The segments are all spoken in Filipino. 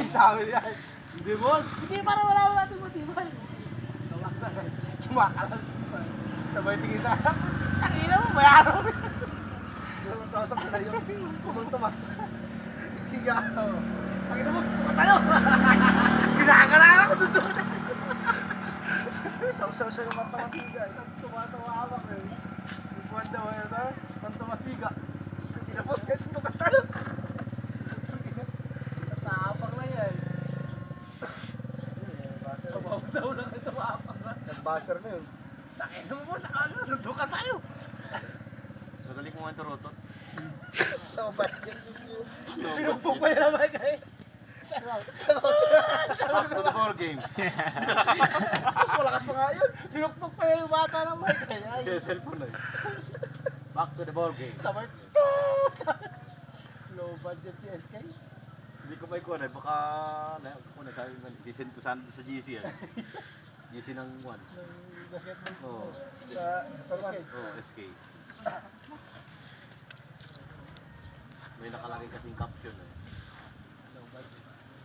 Sabi niya, hindi boss. Hindi, para wala natin matibay. Kumakalas. Sabay tingin sa akin. Tangina mo, bayaran mo. Tapos ako sa'yo, kumang tumas. Siga. Tangina mo, suka tayo. Ginagalaan ako doon. Saw-saw siya ng matawasiga. Tumatawa ako eh. Buwan daw eh, matawasiga. Tinapos guys, suka tayo. Natapang na yan. Sabaw-saw lang ito maapang na. Nag-buzzer na yun. Takin mo mo sa kanya, sundukan tayo. Nagalik mo nga ito, Rotot. Sinumpok pa yun naman kayo. Back to the ball game. Mas malakas pa nga yun. Sinumpok pa yun yung bata naman kayo. Siya cellphone na eh. Back to the ball game. Sabay. Low budget si SK. Hindi ko may kuha na. Baka, kung sabi mo, isend ko sana sa GC yan. GC ng 1. Ng basketball. Oo. Sa SK. Oo, SK. May nakalagay kasing caption eh. Low budget.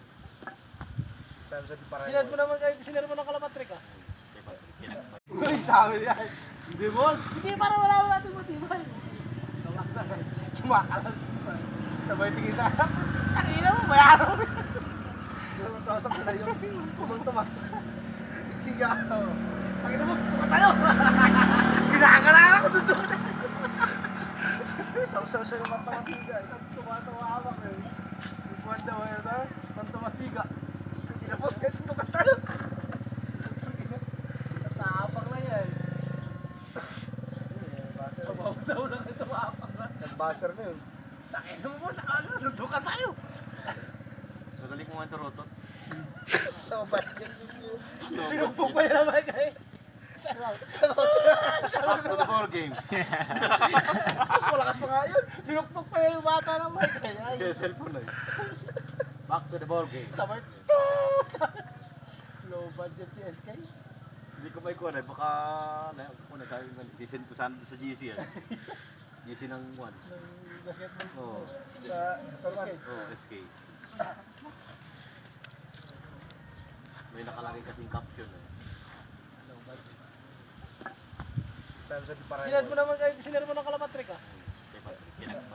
Sinad Sinad mo naman kayo, sinad mo ng kalamatrik ah. Kaya Uy, sabi niya, hindi boss. Hindi, para wala natin matibay. Kumakalas. Sabay tingin sa akin. Tangina mo, bayaran mo. Tapos ako sa'yo, kumang tumas. Siga. Tangina mo, suka tayo. Ginagalaan ako doon. Saw-saw siya ng matawasiga. Tumatawa ako eh. Buwan daw eh, matawasiga. Tinapos guys, suka tayo. Natapang na yan. Sabaw-saw lang ito maapang na. Nag-buzzer na yun. Takin mo mo sa kanya, sundukan tayo. Nagalik mo nga ito, Rotot. Sinumpok pa yun naman kayo. Back to the ball game. Mas malakas pa nga yun. Sinumpok pa yun yung bata naman kayo. Siya cellphone na eh. Back to the ball game. Sabay. Low budget si SK. Hindi ko may kuha na. Baka, kung sabi mo, isend ko sana sa GC yan. GC ng 1. Ng basketball. Oo. Sa SK. Oo, SK. May nakalagay kasing caption eh. Low budget. Sinad Sinad mo naman kayo, sinad mo ng kalamatrik ah. Kaya